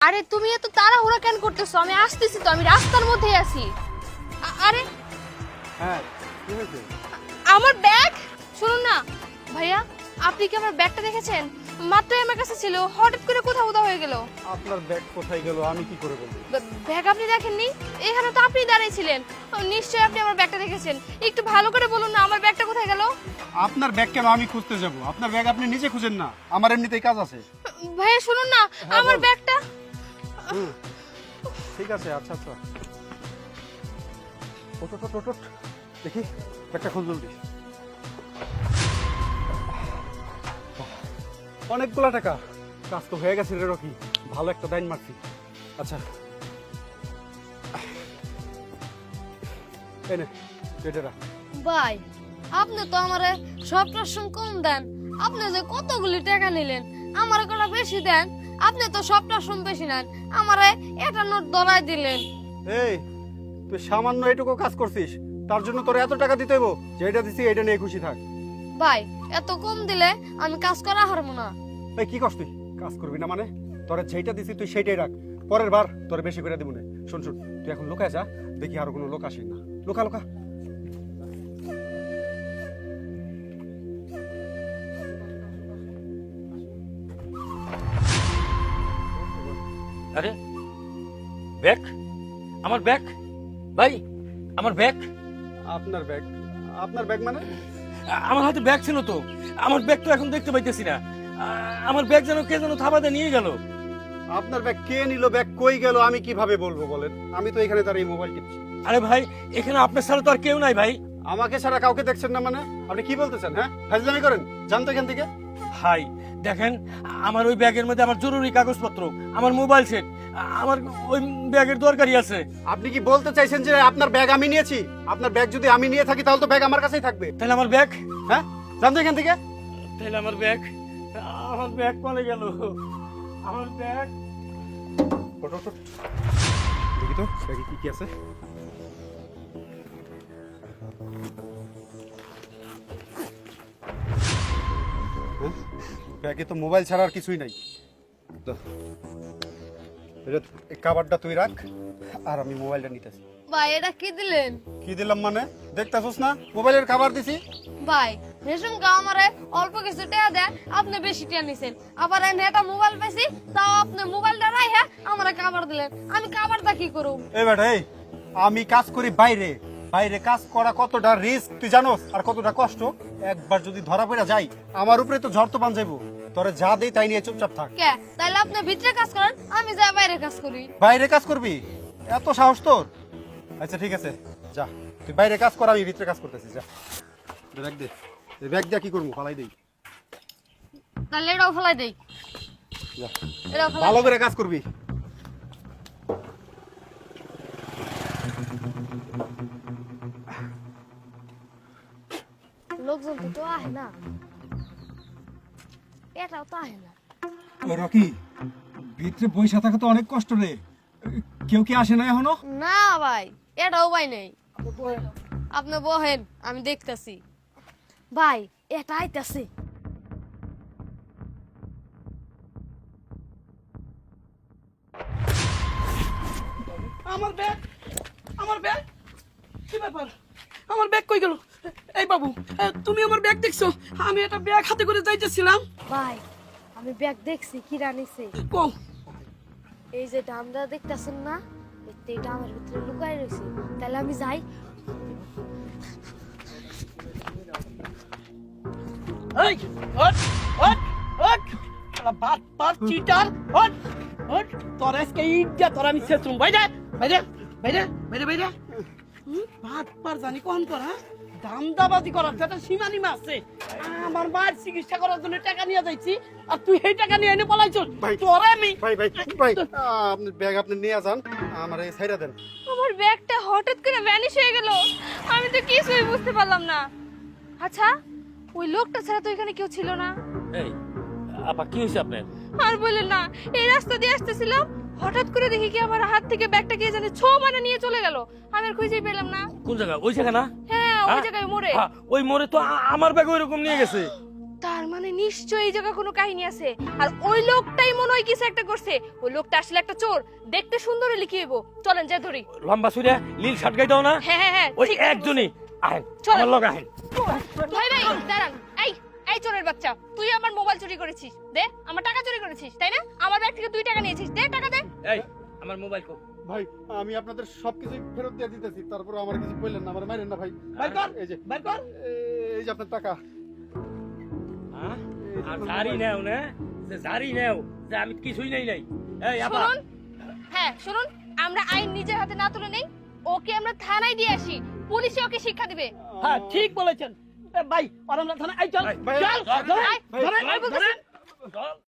আরে তুমি এত তাড়াহুড়া কেন করতেছো? আমি আসতেছি তো, আমি রাস্তার মধ্যেই আছি। আরে হ্যাঁ কি হয়েছে? আমার ব্যাগ! শুনুন না ভাইয়া, আপনি কি আমার ব্যাগটা দেখেছেন? মাত্রই আমার কাছে ছিল, হঠাৎ করে কোথাও কোথাও হয়ে গেল। আপনার ব্যাগ কোথায় গেল আমি কি করে বলবো? ব্যাগ আপনি দেখেননি? এখানে তো আপনি দাঁড়িয়েছিলেন, নিশ্চয়ই আপনি আমার ব্যাগটা দেখেছেন। একটু ভালো করে বলুন না, আমার ব্যাগটা কোথায় গেল? আপনার ব্যাগ কেন আমি খুঁজতে যাব? আপনার ব্যাগ আপনি নিজে খুঁজেন না, আমার এমনিতেই কাজ আছে। ভাইয়া শুনুন না, আমার বল। ব্যাগটা। ঠিক আছে, আচ্ছা আচ্ছা। ওঠ ওঠ ওঠ ওঠ। দেখি ব্যাগটা খোঁজ জলদি। অনেকগুলা টাকা, কাজ তো হয়ে গেছে রে রকি, ভালো একটা দাইন মারছি। আচ্ছা এই নে এটা রাখ। ভাই, আপনি তো আমারে সব প্রশ্ন কম দেন। আপনি যে কতগুলি টাকা নিলেন, আমারে কটা বেশি দেন। আপনি তো সব প্রশ্ন বেশি নেন, আমারে এটা নোট ধরাই দিলেন। এই তুই সামান্য এটুকু কাজ করছিস, তার জন্য তোর এত টাকা দিতে হইব? যেটা দিছি এটা নিয়ে খুশি থাক। ভাই, এত কম দিলে আমি কাজ করা হারবো না। এই কি করছ তুই? কাজ করবি না মানে? তোরে যেটা দিছি তুই সেইটাই রাখ, পরের বার তোরে বেশি করে দিব না। শোন শোন, তুই এখন লুকায় যা, দেখি আর কোনো লোক আসে না। লুকা লুকা। আরে ব্যাগ, আমার ব্যাগ ভাই, আমার ব্যাগ। আপনার ব্যাগ? আপনার ব্যাগ মানে? আমার হাতে ব্যাগ ছিল তো, আমার ব্যাগ তো এখন দেখতে পাইতেছি না। আমার ব্যাগ যেন কে যেন থাবাতে নিয়ে গেল। আপনার ব্যাগ কে নিল, ব্যাগ কই গেল আমি কিভাবে বলবো বলেন? আমি তো এখানে দাঁড়িয়ে মোবাইল টিপছি। আরে ভাই, এখানে আপনার ছাড়া তো আর কেউ নাই ভাই। আমাকে ছাড়া কাউকে দেখছেন না মানে? আপনি কি বলতেছেন? হ্যাঁ ফাজলামি করেন, জানতো এখান থেকে। ভাই দেখেন, আমার ওই ব্যাগের মধ্যে আমার জরুরি কাগজপত্র, আমার মোবাইল সেট, আমার ওই ব্যাগের দরকারই আছে। আপনি কি বলতে চাইছেন যে আপনার ব্যাগ আমি নিয়েছি? আপনার ব্যাগ যদি আমি নিয়ে থাকি তাহলে তো ব্যাগ আমার কাছেই থাকবে। তাহলে আমার ব্যাগ, হ্যাঁ জানতো এখান থেকে। তাহলে আমার ব্যাগ, আমার ব্যাগ কোথায় গেল? আমার ব্যাগ। ওঠ, ওঠ, ওঠ। দেখি তো ব্যাগে কি কি আছে। হ্যাঁ? ব্যাগে তো মোবাইল ছাড়া আর কিছুই নাই। তো, এটা এই কাভারটা তুই রাখ, আর আমি মোবাইলটা নিতেছি। ভাই, এটা কি দিলেন? কি দিলাম মানে? দেখতেছস না মোবাইলের খাবার দিছি। ভাই, রেশন কা আমারে অল্প কিছু টাকা দেন, আপনি বেশি টাকা নিছেন। আবার এনে একটা মোবাইল পেয়েছি, তাও আপনি মোবাইলটা রাইখা আমারে কাবার দিলেন। আমি কাবারটা কি করব? এই বেটা এই, আমি কাজ করি বাইরে, বাইরে কাজ করা কতটা রিস্ক তুই জানোস, আর কতটা কষ্ট। একবার যদি ধরা পড়া যাই আমার উপরে তো ঝড় তো বান যাইবো। তোরে যা দেই তাই নিয়ে চুপচাপ থাক। কে? তাইলে আপনি ভিতরে কাজ করেন, আমি যাই বাইরে কাজ করি। বাইরে কাজ করবি? এত সাহস তোর? আচ্ছা ঠিক আছে, যা তুই বাইরে কাজ কর, আমি ভিতরে কাজ করতেছি। যা ব্যাগ দে। এই ব্যাগ দিয়ে কি করবো? ফালাই দেই। তাহলে এটাও ফেলাই দেই। যা এটাও ফেলাই ভালো করে কাজ করবি। লোকজন তো আহে না, এটাও তো আহে না। রকি, ভিতরে পয়সা থাকা তো অনেক কষ্ট রে। কেউ কি আসে না এখনো? না ভাই, এটাও ভাই নেই। আপনি বহেন, আমি দেখতাছি। ভাই, এটা আইতাছে। আমার ব্যাগ, আমার ব্যাগ, কি ব্যাপার? আমার ব্যাগ কই গেল? এই বাবু, তুমি আমার ব্যাগ দেখছো? আমি একটা ব্যাগ হাতে করে যাইতেছিলাম। ভাই, আমি ব্যাগ দেখছি, কি রানিছে। কও। এই যে ডামটা দেখতাছেন না, এই ডামের ভিতরে লুকাই রয়েছে। তাহলে আমি যাই। এই হট হট হট, শালা বাত বাত চিটার, হট হট। তোর আজকে ইজ্জত তোর আমি শেষুম। বাইরে বাইরে বাইরে বাইরে বাইরে। বাত পার জানি কোন করা দামদাবাজি করার একটা সীমানিমা আছে। আমার মায়ের চিকিৎসা করার জন্য টাকা নিয়ে যাইছি, আর তুই সেই টাকা নিয়ে এনে পলাইছস। ভাই, তোরে আমি ভাই ভাই ভাই, আপনি ব্যাগ আপনি নিয়ে যান, আমার এই সাইডা দেন। আমার ব্যাগটা হঠাৎ করে ভ্যানিশ হয়ে গেল, আমি তো কিছুই বুঝতে পারলাম না। আচ্ছা, ওই লোকটা ছাড়া তো এখানে কেউ ছিল না। এই আপা, কি হইছে আপনার? আর বললেন না, এই রাস্তা দিয়ে আসতেছিলাম, হঠাৎ করে দেখি কি আমার হাত থেকে ব্যাগটা কে জানে মানে নিয়ে চলে গেল। আমি আর খুঁজেই পেলাম না। কোন জায়গা? ওই জায়গা না? হ্যাঁ, ওই জায়গায় মোড়ে। ওই মোড়ে তো আমার ব্যাগ ওইরকম নিয়ে গেছে। তার মানে নিশ্চয়ই এই জায়গায় কোনো কাহিনী আছে, আর ওই লোকটাই মনে হয় কিছু একটা করছে। ওই লোকটা আসলে একটা চোর, দেখতে সুন্দর হলে কি হইব। চলেন যাই ধরি। লম্বা সুরে লীল শার্ট গাই দাও না, হ্যাঁ হ্যাঁ হ্যাঁ ওই ঠিক কথা একজনই আহেন, চলেন। আমার লগে আহেন। ভাই ভাই দাঁড়ান, এই এই চোরের বাচ্চা, তুই আমার মোবাইল চুরি করেছিস, দে আমার টাকা চুরি করেছিস তাই না? আমার ব্যাগ থেকে 2 টাকা নিয়েছিস, দে টাকা দে। এই আমার মোবাইল কো। ভাই আমি আপনাদের সবকিছু ফেরত দিয়ে দিতেছি, তারপর আমার কিছু বললেন না, আমার মাইরেন না ভাই। বাইর কর, এই যে বাইর কর। এই যে আপনার টাকা। হ্যাঁ? আর জারি নেও না, যে জারি নেও যে আমি কিছুই নেই নাই। এই আপা, শুনুন, হ্যাঁ শুনুন, আমরা আইন নিজের হাতে না তুলে নেই, ওকে আমরা থানায় দিয়ে আসি, পুলিশে ওকে শিক্ষা দিবে। হ্যাঁ ঠিক বলেছেন। এ ভাই, আর আমরা থানায়, এই চল, ভাই, চল, ভাই, ধরে, ভাই, ধরে, ভাই বলতেছি। ধরে।